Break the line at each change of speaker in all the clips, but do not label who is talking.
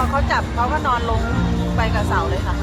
เขาจับเขาก็นอนลงไปกับเสาเลยค่ะ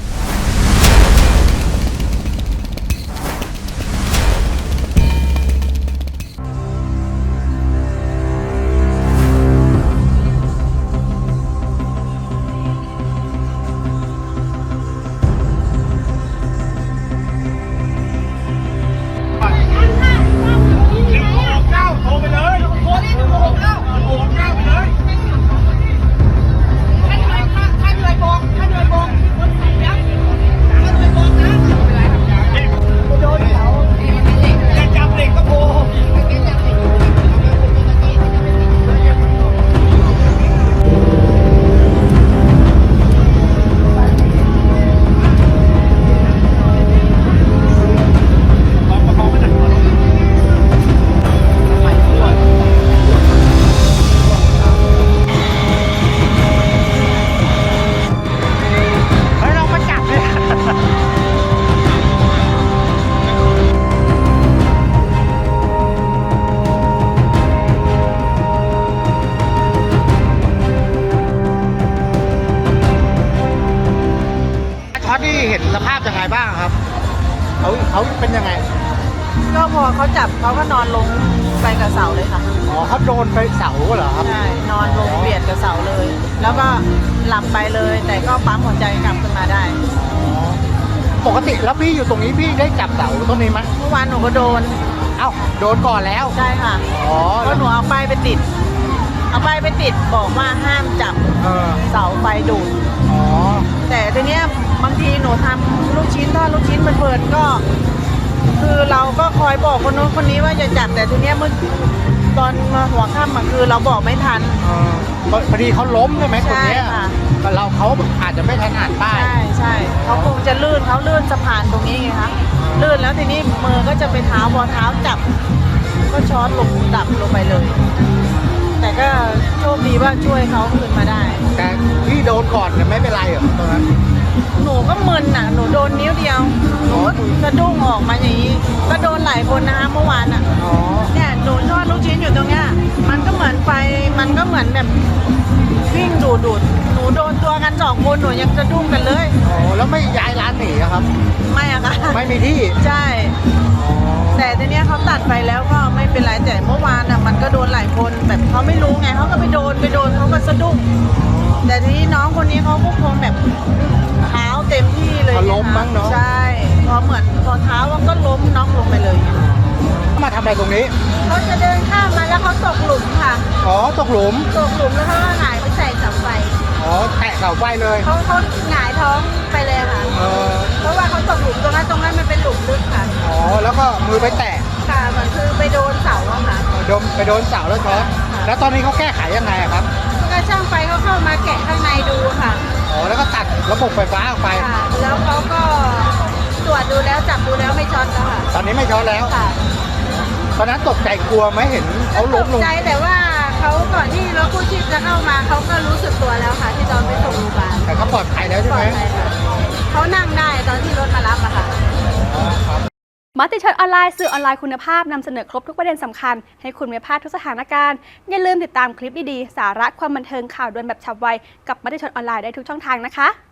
ช็อตที่เห็นสภาพยังไงบ้างครับเขาเป็นยังไง
ก็พอเขาจับเขาก็นอนลงไปกับเสาเลยค่ะ
อ๋อเขาโดนไปเสาเหรอครับ
ใช่นอนลงเบียดกับเสาเลย แล้วก็หลับไปเลยแต่ก็ปั๊มหัวใจกลับขึ้นมาได้
ปกติแล้วพี่อยู่ตรงนี้พี่ได้จับเสาต้นนี้ไหม
เมื่อวานหนูก็โดน
โดนก่อนแล้ว
ใช่ค่ะ
อ๋อ
ก็หนูเอาป้ายไปติดบอกว่าห้ามจับเสาไฟดูด
อ๋อ
แต่ทีเนี้ยบางทีหนูทำลูกชิ้นทอดลูกชิ้นเพลินๆก็คือเราก็คอยบอกคนโน้นคนนี้ว่าจะจับแต่ทีเนี้ยเมื่อตอนมาหัวค่ำคือเราบอกไม่ทัน
พอดีเขาล้มใช่ไหมคนนี้แต่เขาอาจจะไม่ทันอ่านป้าย
ใช่เขาคงจะลื่นสะพานตรงนี้ไงคะลื่นแล้วทีนี้มือก็จะไปเท้าพอเท้าจับก็ช็อตลงดับลงไปเลยแต่ก็โชคดีว่าช่วยเขาขึ้นมาได้
แต่พี่โดนก่อนไม่เป็นไรเหรอตอนนั้น
หนูก็มึนหนูโดนนิ้วเดียวหนูกระดุ้งออกมาอย่างนี้ก็โดนหลายคนนะคะเมื่อวานเนี่ยหนูทอดลูกชิ้นอยู่ตรงเนี้ยมันก็เหมือนไฟมันก็เหมือนแบบวิ่งดูดหนูโดนตัวกัน2 คนหนูยังกระดุ้งกันเลย
แล้วไม่ย้ายร้านหนีครับ
ไม่อะค่ะ
ไม่มีที่
ใช่แต่ทีเนี้ยเขาตัดไปแล้วก็ไม่เป็นไรแต่เมื่อวานมันก็โดนหลายคนแบบเขาไม่รู้ไงเขาก็ไปโดนเขาก็สะดุ้งแต่ทีนี้น้องคนนี้เขาก็คงแบบเท้าเต็มที่เลย
ล้มมั้งเนาะ
ใช่พอเท้าก็ล้มน้องลงไปเลย
มาทำอะไรตรงนี้
เขาจะเดินข้ามมาแล้วเขาตกหลุมค่ะ
ตกหลุม
แล้วเขาก็หงายไปใส่เสาไฟ
แตะเสาไฟเลย
เขาหงายท้องไปเลยค่ะเพราะว่าเขาตกหลุมตรงนั้นมันเป็นหลุมลึกค่ะ
แล้วก็มือไปแตะ
ค่ะมันคือไปโดนเสาอะค่ะ
ไปโดนเสาแล้วช็อตแล้วตอนนี้เขาแก้ไขยังไงครับ
ก็ช่างไฟเขาเข้ามาแกะข้างในดูค่ะ
แล้วก็ตัดระบบไฟฟ้าออกไป
แล้วเขาก็ตรวจดูแล้วจับดูแล้วไม่ช็อตแล้วค่ะ
ตอนนี้ไม่ช็อตแล้วค่ะตอนนั้นตกใจกลัวไหมเห็นเขาล้มลง
ใจแต่ว่าเขาก่อนที่รถกู้ชีพจะเข้ามาเขาก็รู้สึกตัวแล้วค่ะที่ตอนไปส่งโรงพยาบาล
แต่เขาปลอดภัยแล้วใช่ไหม
เขานั่งได้ตอนที่รถมารับอะค่ะ
มติชนออนไลน์สื่อออนไลน์คุณภาพนำเสนอครบทุกประเด็นสำคัญให้คุณไม่พลาดทุกสถานการณ์อย่าลืมติดตามคลิปดีๆสาระความบันเทิงข่าวด่วนแบบฉับไวกับมติชนออนไลน์ได้ทุกช่องทางนะคะ